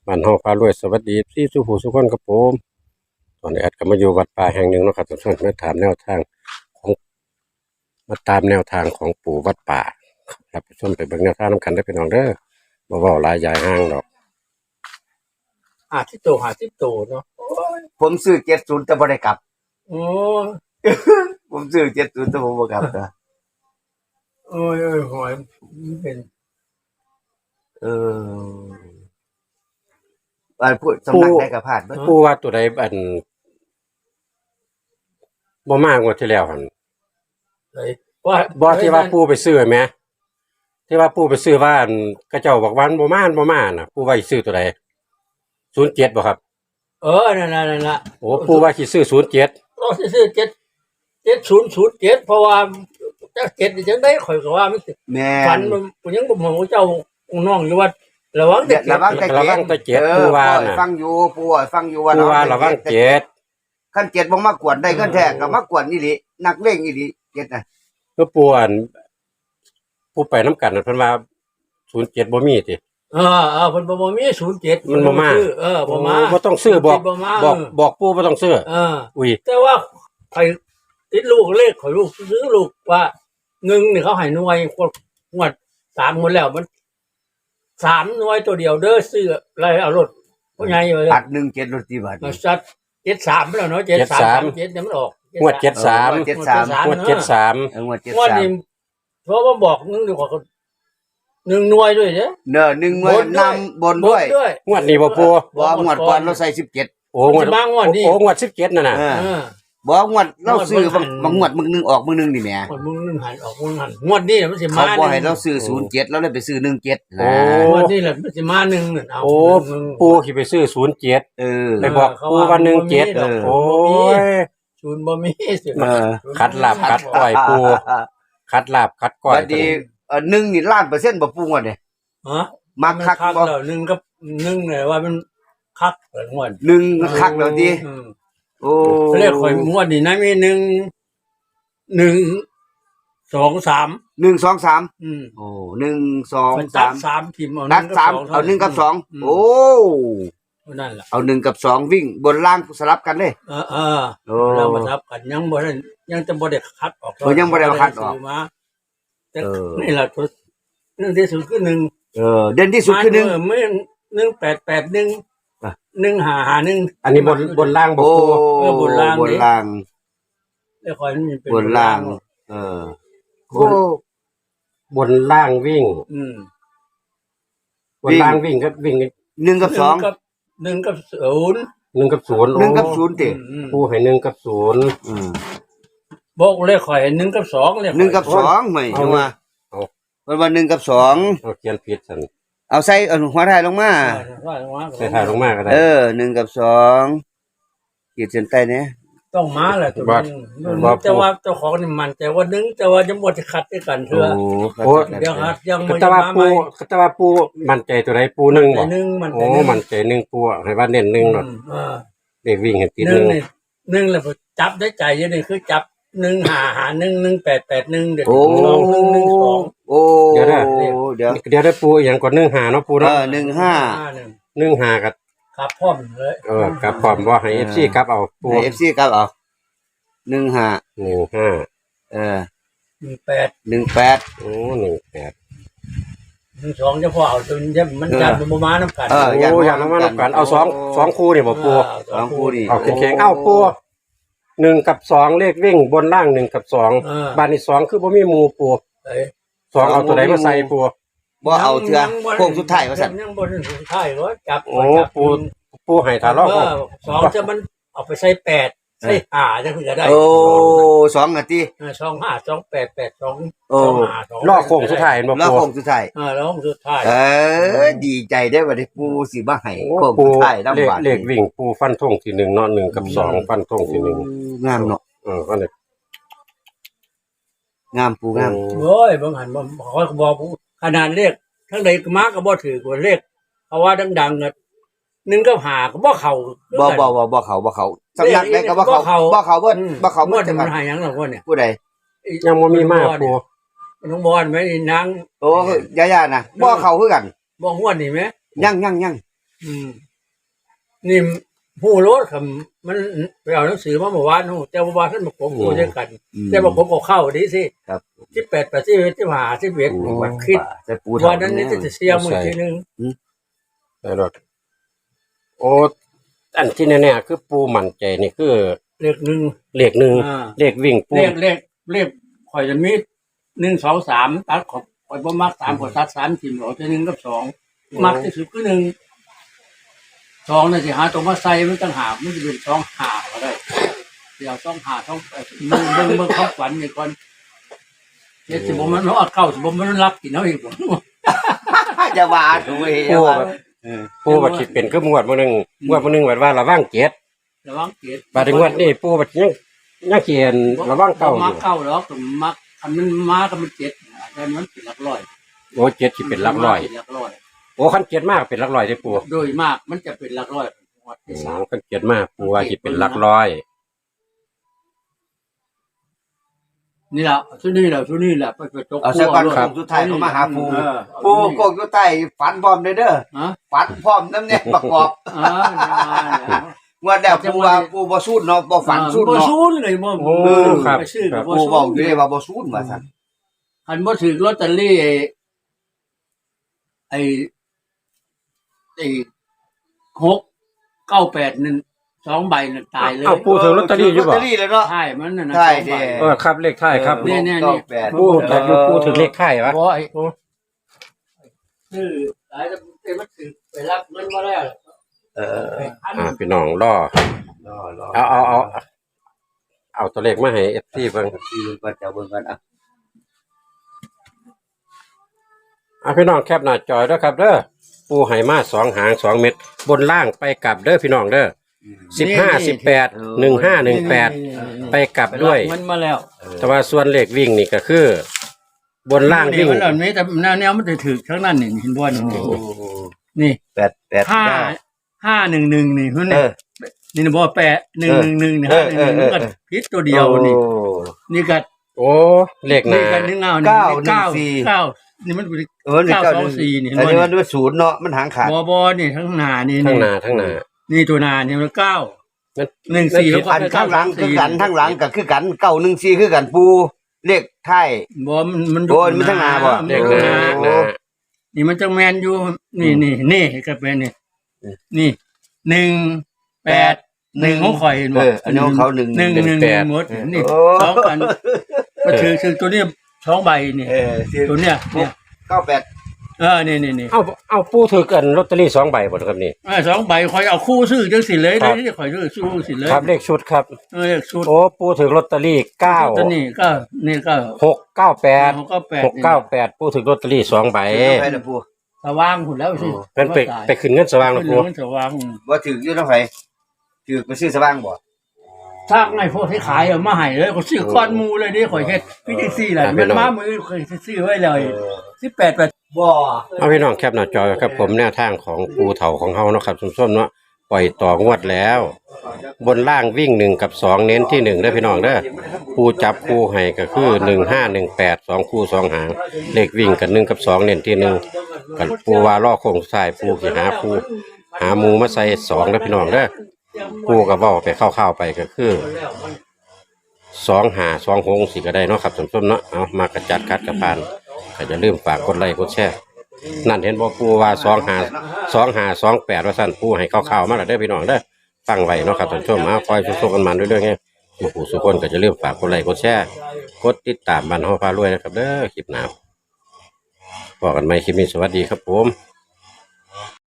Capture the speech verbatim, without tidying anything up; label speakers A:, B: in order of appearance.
A: บ้านเฮาพารวยสวัสดีพี่สุผู้สุคนครับผมตอนนี้แอดก็มาอยู่วัดป่าแห่งหนึ่งเนาะครับทุกท่านมาถามแนวทางของมาตามแนวทางของปู่วัดป่าครับไปชมไปเบิ่งแนวทางนำกันได้อพี่น้องเด้อบ่เว้าหลายยายห้างดอก
B: หาที่โตหาที่โตเนาะ
C: ผมซื้อเจ็ดศูนย์แต่บ่ได้กลับ
B: โอ้
C: ผมซื้อเจ็ดศูนย์แต่ผมบ่กลับนะ
B: โอ้ยโอ้ยหอยมันเป็น
C: เอออันพูดสำนักได้กับพลาดเบิด
A: ปู่ว่าตัวใดอันบ่มากว่าที่แล้วหั่น
B: เลยว่า
A: บ่ที่ว่าปู่ไปซื้อแหมที่ว่าปู่ไปซื้อว่าอันเขาเจ้าบอกว่ามันบ่มาบ่มาน่ะปู่ว่าสิซื้อตัวใดศูนย์เจ็ดบ่ครับ
B: เออนั่นน่ะนั่นน่ะ
A: โอ้ปู่ว่าสิซื้อศูนย์เจ็ด
B: เราสิซื้อเจ็ดเจ็ดศูนย์ศูนย์เจ็ดเพราะว่าจักเจ็ดนี่จังได๋ข่อยก็ว่ามันสิ
C: แม่
B: ฝัน
C: น
B: มันยังบ่ฮู้เจ้าน้องอยู่ว่าระวังเด็ก
C: ระวังแต่
A: ระวังแต่เจ็ด
C: เออ
A: ปู่ว่า
C: ปล่อย
A: น่ะ
C: ฟังอยู่ปู่อะฟังอยู่ว่า
A: ปู่ว่าระวังเจ็ด
C: คันเจ็ดบ่มากวนได้กันแท้ก็มากวนอีหลีนักเลงอีหลีเจ็ดน่ะ
A: ก็ปู่อันผู้ไปนํกันน่ะเพิ่นว่าศูนย์เจ็ดบ่มีติ
B: เออเออเพิ่นบ่บ่มีศูนย์เจ็ด
A: มันบ่มา
B: เออบ่มา
A: บ่ต้องซื้อบอก
B: บ่มา
A: บอกบอกปู่บ่ต้องซื้อ
B: เออ
A: อุ้ย
B: แต่ว่าข่อยติดลูกเลขข่อยลูกซื้อลูกว่าหนึ่งนี่เขาให้หน่วยงวดสามหมดแล้วมันสามหน่วยตัวเดียวเด้อซื้ออะไรเอารถเพราะไงอยู่เลย
C: อัดหนึ่งเจ็ดรถตีบัตร
B: มาซัดเจ็ดสามไปแล้วเนาะเจ็ดสามเจ็ดเนี่ยมันออก
A: งวดเจ็ดสาม
C: เจ็ดสาม
A: งวดเจ็ดสาม
C: เอองวดเจ็ด
B: งวด
C: สาม
B: นี้เพราะว่าบอกนึงเดียวกว่าหนึ่งหน่วยด้วยเด้อ
C: เนอะหนึ่งหน่วยนำบนด้วย
B: ด้วย
A: งวดนี้บ่ปู่
C: บ่งวดก่อนเราใส่สิบเจ็ด
A: โอ้งวด
B: มันจะมางวดนี้
A: โอ้งวดสิบเจ็ดนั่นน่ะ
C: เออ
B: เออ
C: บ่งวดเราซื้อบาง
B: งวด
C: บางงวดมึงหนึงออกมึงหนึงนี่แหม
B: งวดมึงนึงหันออกมึงหันงวดนี้มันสิ
C: เขา
B: มา
C: บ่ให้เราซื้อศูนย์เจ็ดเราเลยไปซื้อหนึ่งเจ็ด
A: โอ้
C: นะ
B: งวดนี้แหละมันสิมาหนึ่งนั่นเอา
A: โอ้ปู่สิไปซื้อศูนย์เจ็ด
C: เออ
A: ไปบอกปู่ว่าหนึ่งเจ็ด
B: เออ
A: โอ้ย
B: ศูนย์บ่มีสิ
C: เออ
A: คัดลาบคัดก้อยปู่คัดลาบคัดก้อย
C: บัดนี้เอ่อหนึ่งนี่ล้านเปอร์เซ็นต์บ่ปรุงว่าเนี่ย
B: ฮะ
C: มักคัก
B: คัก
C: บ่
B: แล้วหนึ่งกับหนึ่งเนี่ยว่ามันคักเปิดงวด
C: หนึ่งคักแล้วดิ
B: อืม
C: โอ้
B: เรียกข่อยงวดนี่นะมีหนึ่งหนึ่งสองสาม
C: หนึ่ง สอง สาม
B: อืม
C: โอ้หนึ่ง สอง
B: มัน
C: สา
B: ตัด
C: ม
B: สามทีมเอา
C: นัดสาม
B: ท่
C: เอาหนึ่งกับสอง
B: ม
C: โอ้
B: นั่นแหละ
C: เอาหนึ่งกับสองวิ่งบนล่างสลับกันเลย
B: เออเออ
C: โอ้
B: เรามาทับกันยังบ่ได้ยังจะบ่ได้คัดออก
C: เออยังบ่ได้คัดออก
B: ซื้มาแต่
C: เออ
B: นี่แหละตัวเรื่องที่สุดคือหนึ่ง
C: เออเด่นที่สุดคือหนึ่ง
B: เไม่หนึ่งแปดแปดหนึ่ง
C: อ่ะ
B: หนึ่งหาหาหนึ่ง
A: อันนี้บนบนล่างบ่
C: โอ้
A: ปู่
B: เออบนล่าง
C: บนล่าง
B: แล้วคอยมันเป็น
C: บนล่าง เออโอ้
A: บนล่างวิ่ง
B: อืม
A: บนล่างวิ่งก็วิ่ง
C: หนึ่งกับสอง
B: หนึ่กับหนึ่งกับศูนย์
A: หนึ่งกับศูนย์
C: หนึ่งกับศูนย์ติ
B: อืม
A: ปู่ให้หนึ่งกับศูนย์
C: อืม
B: บอกเลขข่อยหนึ่งกับสองเลขข่อย
C: หนึ่งกับสองไม่ใช่ว่ามันว่าหนึ่งกับสอง
A: เอาเขียนผิดซั่น
C: เอาใส่เอาหัวท้ายลงมา
B: เออว่าว่า
A: ใส่ถ่ายลงมาก็ได้
C: เออหนึ่งกับสองขีดเส้นใต้เนี่ย
B: ต้องมาแหละตัว
A: ว่า
B: นึง
A: ว่า
B: แต่ว่าเจ้าของนี่มันแต่ว่าหนึ่งแต่ว่ายังบ่ได้คัดด้วยกันเถื่อ
C: โอ้
B: เดี๋ยวคัดยัง
A: ก็
B: บ่
A: แต่
B: ได้
A: ว่า
B: มาใหม่
A: ปู่ก็แต่ว่าปู่มั่นใจตัวใดปู่หนึ่ง
B: แต่
A: บ่
B: หนึ่งมัน
A: โอ้มั่นใจหนึ่งปู่ให้ว่าเน้นหนึ่งเนาะ
B: อืมเออ
A: เด็กวิ่งเห็นติด
B: ห
A: ห
B: นึ่
A: นึ่
B: ง
A: ง
B: นี่หนึ่งแล้วจับได้ใจอยู่นี่คือจับหนึ่งหาหาหนึ่งหนึ่งแปดแปดหนึ่งเดี๋ยว
C: โอ้
B: สองหนึ่งหนึ่งสอง
C: โอ้เดี๋ยวเดี๋ยว
A: เดี๋ยวได้ปู่อย่างกว่าหนึ่งหาเนาะปู่
C: เอ
A: เนาะ
C: อหนึ่งห้า
B: หนึ่ง
A: หนึ่งหากับ
B: ครับพร้อมเลย
A: เออกับพร้อมว่าให้ เอฟ ซี กลับเอาปู่
C: เอฟซีครับเอาหนึ่งห้า
A: หนึ่งห้า
C: เออ
B: หนึ่งแปด
C: หนึ่งแปด
A: โอ้หนึ่งแปด
B: หนึ่งสองเจะพอเอาจนเดี๋ยวมันจับมันบ่มาน้ำกัน
C: เออ
A: โอ้อย่างนั้นมาแล้วกันเอาสองสองคู่นี่บ่ปู่
C: สองคู่ดิ
A: เอาแข็งๆเอาปู่หนึ่งกับสองเลขวิ่งบนล่างหนึ่งกับสอง
B: เออ
A: บ้านนี้สองคือบ่มีหมู่ปู่
B: เอ้ย
A: สองเอาตัวไหนมาใส่ปู่
C: บ่เอาเถื่อโค้งสุดท้ายว่าสั่น
B: ยังบนสุดท้ายก็จับ
A: โอ้
B: จับ
A: ปู่ปู่ให้ถ้ารอบ
B: เออสองจะมันเอาไปใส่แปดใส่ห้าจะคือจะได้
C: โอ้สองนาที
B: เออสองห้าสองแปดแปดสอง
C: โอ้
B: สองห้าสอง
A: รอบโค้งสุดท้ายเห็นบ่
C: แล้ว
A: ปู่
C: โค้งสุดท้าย
B: เออแล้วสุดท้าย
C: เออดีใจได้ว่าได้ปูสิมาให้
A: โอ้
C: โค้ง
A: ปู่
C: สุดท้ายน้ำ
A: เลข
C: หวาน
A: เลขวิ่งปู่ฟันธงที่หนึ่งเนาะหนึ่งกับสองฟันธงที่หนึ่ง
C: งามเนาะ
A: เออก็เลย
C: งามปูงาม
B: โอ้ยบางหันบ่ขอยก็บอกผู้ขนาดเลขทั้งใดก็มาก็บ่ถือกว่าเลขเพราะว่าดังๆน่ะหนึ่งกับห้าก็บ่เข้า
C: บ่บ่บ่บ่เขาบ่เขาสำนักได้ก็บ่เขาบ่เขาเบิดบ่เขา
B: ง
C: เบิ
B: ว
C: ด
B: ด
C: จัง
B: มั
C: หวัน ด
B: หาหยังหรอกว่าเนี่ย
C: ผู้ใด
A: ยังบ่มีมากปู่
B: น้องบอลไหมนาง
C: โอ้ยาๆน่ะบ่เขาคือกัน
B: บ่งวดนี่ไหม
C: ยังยังยัง
B: อืมนี่ผู้รถครับมันไปเอาหนังสือมาเมื่อวานนู่นแต่เมื่อวานท่านบอกผมพูดด้วยกัน แต่บอกผมก็เข้าดีสิ
C: ครับ
B: ที่แปดแปดที่ที่หาที่เบ็ด
C: ปู
B: วันคิด
C: แต่ปู
B: วันนั้นนี่จะเสียมือทีนึง
A: ได้ดอกโอ้อันที่แน่ๆคือปูมั่นใจนี่คือ
B: เลขหนึ่ง
A: เลขหนึ่ง
B: อ่า
A: เลขวิ่งปู
B: เลขเลขเลขข่อยจะมีหนึ่งสองสามตัดขอบข่อยบ่มักสามข่อยตัดสามทีมหรอกจะหนึ่งกับสองมักที่สุดก็หนึ่งสองน่ะสิหาตัวมาใส่มันต่างหากมันจะเป็นสองหาก็ได้เดี๋ยวสองหาสองแปดเบิ่งเบิ่งเบิ่งเขาฝันนี่ก่อนเจ็ดสิบบ่มันเอาเก้าสิบบ่มันรับกินเอาอีกบ่
C: จะว่าถูกเฮ้ย
A: ปู
C: ว่า
A: แบบปูบัดคิดเป็นคืองวดมื้อหนึงงวดมื้อหนึงว่าว่าระวังเจ็ด
B: ระวังเกียรติ
A: บาดนี้งวดนี้ปูบัดยังยังเขียนระวังเก้าอ
B: มั
A: ยู่
B: กเก้าหรอกก็มักคันมันมาก็มันเจ็ดแต่มันเป็นหลักร้อย
A: โอ้เจ็ดสิเป็นหลักร้อย
B: เป็นหลักร้อย
A: โอ้คันเจ็ดมากเป็นหลักร้อยได้ปู
B: โดยมากมันจะเป็นหลักร้อยงวด
A: โอ้
B: ที่สาม
A: คันเจ็ดมากปูว่าสิเป็นหลักร้อย
B: นี่แหละชุดนี้แหละชุดนี้แหละไปไปตก
C: เอาสักวันครั้งสุดท้ายเขามาหาปูปูโกกอยู่ใต้ฝันพร้อมเด้อเด้อ
B: ฮะ
C: ฝันพร้อมน้ำเนี่ยประกอบ
B: อ่าเนี่ย
C: งวดแล้วปูว่าปูบ่สู้เนาะบ่ฝันสู้
B: บ่
C: เนาะ
B: ซูนเลยบ่
A: โอ้ครับ
B: ไปซื้อ
A: ค
B: กั
A: รั
B: บบ บ่
C: ปู
B: ซู
C: บอก
B: น
C: อยู่เลยว่าบ่สู้ว่าซั่น
B: คันบ่ถือลอตเตอรี่ไอ้ไอ้ไอ้หกเก้าแปดนั่นสองใบนั่นตายเลย
A: เอาปูถือลอตเตอรี่อยู่
C: ลอต
A: บ่
C: เตอรี่เลยเนาะ
B: ใช่มันน่ะนะ
C: ใช่
B: สองใบ
C: เด้
A: เออครับเลขท้ายครับ
B: เนี่ยเนี่ยเนี่ย
C: แปด
A: ปูแต่อยู่ปูถือเลขท้ายวะ
B: บ่ไอ้ซื้อหลายแต่มันถือไปรับเงินมาแล้ว
C: เออ
B: ไปพัน
A: อ่าพี่น้องรอ
C: รอรอ
A: เอาเอาเอาเอาตัวเลขมาให้ เอฟ ซี เบิ่ง
C: ที่ก็จะเบิ่งกันอ่ะ
A: อ่ะพี่น้องแคปหน้าจอยด้วยครับเด้อปูไหมาสองหางสองเม็ดบนล่างไปกลับเด้อพี่น้องเด้อสิบห้าสิบแปดหนึ่งห้าหนึ่งแปดไปกลับด้วย
B: มันมาแล้ว
A: แต่ว่าส่วนเลขวิ่งนี่ก็คือ บนล่างวิ่ง
B: มันเหล่านี้แต่แนวแนวมันจะถือทั้งนั้นนี่เห็นบ่นี่
C: โอ้
B: นี่
C: แปดแปด
B: ห้าห้าหนึ่งหนึ่งนี่มัน
C: เอ
B: นี่
C: อ
B: นี่บ่แปะหนึ่งหนึ่งหนึ่งนี่
C: เอ
B: ห้า
C: อ
B: หนึ่งหนึ่ง
C: เออ
B: มันก็พิษตัวเดียวนี่
C: โอ้
B: นี่ก็
A: โอ้เลขห
B: นี่
A: น้า
B: ก็นึ่งเงานี่
C: เก้า
B: เก้า
C: หนึ่งสี่
B: เก้านี่มันเป็น
C: เออนี่
B: เก้า
C: เก้า
B: สองสี่นี่เห็น
C: อัน
B: บ่
C: นี้มัน
B: นี่
C: ด้วยศูนย์เนาะมันหางขาด
B: บ่บ่นี่ทั้งหน้านี่
A: ทั้ง
B: นี่
A: หน้าทั้งหน้า
B: นี่ตัวหน้านี่มันเก้า
A: มัน
B: หนึ่งสี่
C: อันข้างหลังคือกันข้างหลังก็คือกันเก้าหนึ่งสี่คือกันปูเลขไทาย
B: บ่มันมัน
C: โอ้ยมันทั้งหน้าบ่
A: เลขหน้าเลขหน้า
B: นี่มันจังแมนอยู่นี่นี่นี่ก็เป็นนี่นี่หนึ่งแปดหนึ่งของข่อยเห็น
C: เอ
B: บ่
C: ออันนี้ของเขาหนึ่ง
B: หนึ่งหนึ่งหมดนี่
C: โอ้
B: สองกันก็ถือถือตัวนี้สองใบนี่
C: เออ
B: ตัวเนี้ยเนี่ย
C: เก้าแปด
B: เออนี่นี่นี่
A: เอาเอาปูถือกันลอตเตอรี่สองใบบ่ครับนี่
B: เออสองใบข่อยเอาคู่ซื้อจังสิเลย
A: ครับ
B: นี่ข่อยซื้อสู้สิเลย
A: ครับเลขชุดครับ
B: เออชุด
A: โอ้ปูถือลอตเตอรี่เก้า
B: ตัวนี้ก็นี่ก็
A: หกเก้าแปด
B: หกเก้าแปด
A: หกเก้าแปดปูถือลอตเตอรี่สองใบ
C: ไปนะปู
B: สว่างหุ่นแล้วสิ
A: เป็นไปไปขึ้นเงินสว่างแล้ว
B: เป็น
A: ปู
B: เรื่องสว่าง
C: ว่าถืออยู่น้ำไฟถือไปซื้อสว่างบ่
B: ถ้าไงพวกที่ขายเอามาให้เลยก็ซื้อก้อนหมูเลยนี่ข่อยเฮ็ดพี่จังซี่แหละมันมามือข่อยซื้อไว้เลยสิบแปดแปดบ่
A: เอาพี่น้องแคปหน้าจอครับผมแนวทางของปูเถาของเฮาเนาะครับส้มๆเนาะปล่อยต่องวดแล้ว บนล่างวิ่งหนึ่งกับสองเน้นที่หนึ่งเด้อพี่น้องเด้อปูจับคู่ให้ก็คือหนึ่งห้าหนึ่งแปดสองคู่สองหางเลขวิ่งกันหนึ่งกับสองเน้นที่หนึ่งกันปูว่าล่อโค้งซ้ายปูสิหาปูหาหมูมาใส่สองเด้อพี่น้องเด้อปูก็เว้าไปเข้าวๆไปก็คือสองหาสองหงสิก็ได้เนาะครับส้มๆเนาะเอามากระจัดคัดกระพานก็จะลืมฝากกดไลค์กดแชร์นั่นเห็นบ่ปูว่าสองหาสองหาสองแปดว่าสั่นปูให้เข้าวๆมาแล้วเด้อพี่น้องเด้อฟังไว้เนาะครับท่านผู้ชมเอาคอยสู้ๆกันมาเรื่อยๆไงผู้ผู้สุคนก็จะลืมฝากกดไลค์กดแชร์กดติดตามบ้านเฮาพารวยนะครับเด้อคลิปหน้าพบกันใหม่คลิปนี้สวัสดีครับผม